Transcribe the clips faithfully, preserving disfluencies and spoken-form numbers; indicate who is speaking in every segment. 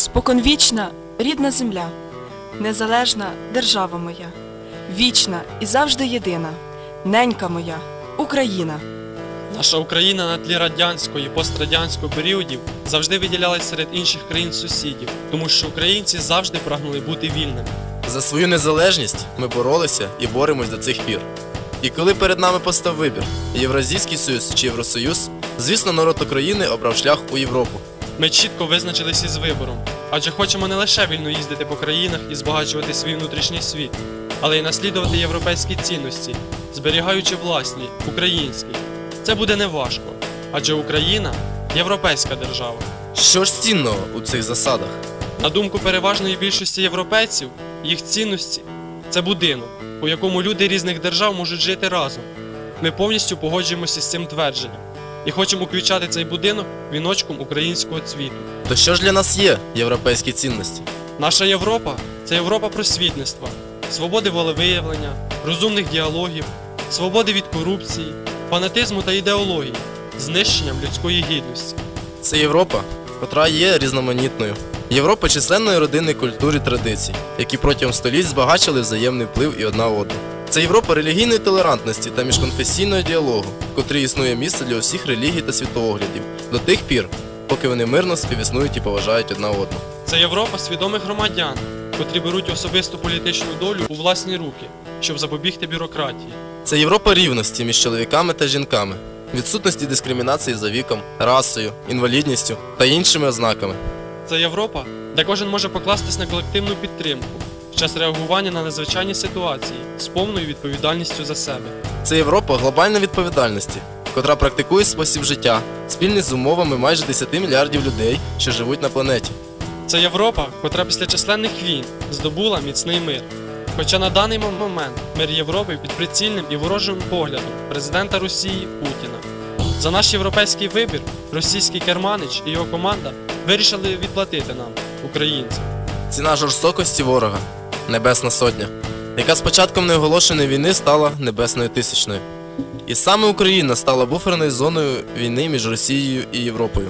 Speaker 1: Споконвічна рідна земля, незалежна держава моя, вічна і завжди єдина, ненька моя, Україна.
Speaker 2: Наша Україна на тлі радянського і пострадянського періодів завжди виділялась серед інших країн-сусідів, тому що українці завжди прагнули бути вільними.
Speaker 3: За свою незалежність ми боролися і боремось до цих пір. І коли перед нами постав вибір – Євразійський Союз чи Євросоюз, звісно, народ України обрав шлях у Європу.
Speaker 2: Ми чітко визначилися із вибором, адже хочемо не лише вільно їздити по країнах і збагачувати свій внутрішній світ, але й наслідувати європейські цінності, зберігаючи власні, українські. Це буде неважко, адже Україна – європейська держава.
Speaker 3: Що ж цінного у цих засадах?
Speaker 2: На думку переважної більшості європейців, їх цінності – це будинок, у якому люди різних держав можуть жити разом. Ми повністю погоджуємося з цим твердженням і хочемо включати цей будинок віночком українського цвіту.
Speaker 3: То що ж для нас є європейські цінності?
Speaker 2: Наша Європа – це Європа просвітництва, свободи волевиявлення, розумних діалогів, свободи від корупції, фанатизму та ідеології, знищенням людської гідності.
Speaker 3: Це Європа, котра є різноманітною. Європа численної родинної культури і традицій, які протягом століть збагачили взаємний вплив і одна одну. Це Європа релігійної толерантності та міжконфесійного діалогу, в котрій існує місце для усіх релігій та світоглядів, до тих пір, поки вони мирно співіснують і поважають одна одну.
Speaker 2: Це Європа свідомих громадян, котрі беруть особисту політичну долю у власні руки, щоб запобігти бюрократії.
Speaker 3: Це Європа рівності між чоловіками та жінками, відсутності дискримінації за віком, расою, інвалідністю та іншими ознаками.
Speaker 2: Це Європа, де кожен може покластись на колективну підтримку в час реагування на надзвичайні ситуації з повною відповідальністю за себе.
Speaker 3: Це Європа глобальної відповідальності, котра практикує спосіб життя, спільний з умовами майже десяти мільярдів людей, що живуть на планеті.
Speaker 2: Це Європа, котра після численних війн здобула міцний мир. Хоча на даний момент мир Європи під прицільним і ворожим поглядом президента Росії Путіна. За наш європейський вибір російський керманич і його команда вирішили відплатити нам, українцям.
Speaker 3: Ціна жорстокості ворога – Небесна Сотня, яка з початком неоголошеної війни стала Небесною Тисячною. І саме Україна стала буферною зоною війни між Росією і Європою.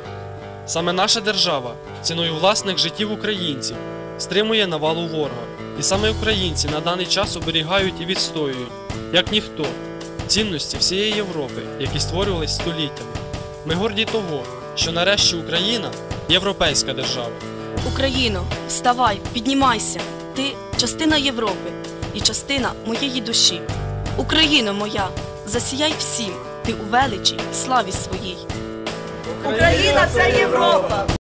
Speaker 2: Саме наша держава ціною власних життів українців стримує навалу ворога. І саме українці на даний час оберігають і відстоюють, як ніхто, цінності всієї Європи, які створювались століттями. Ми горді того, що нарешті Україна – європейська держава.
Speaker 4: Україно, вставай, піднімайся. Ти – частина Європи і частина моєї душі. Україно моя, засіяй всім, ти у величі, славі своїй.
Speaker 5: Україна – це Європа!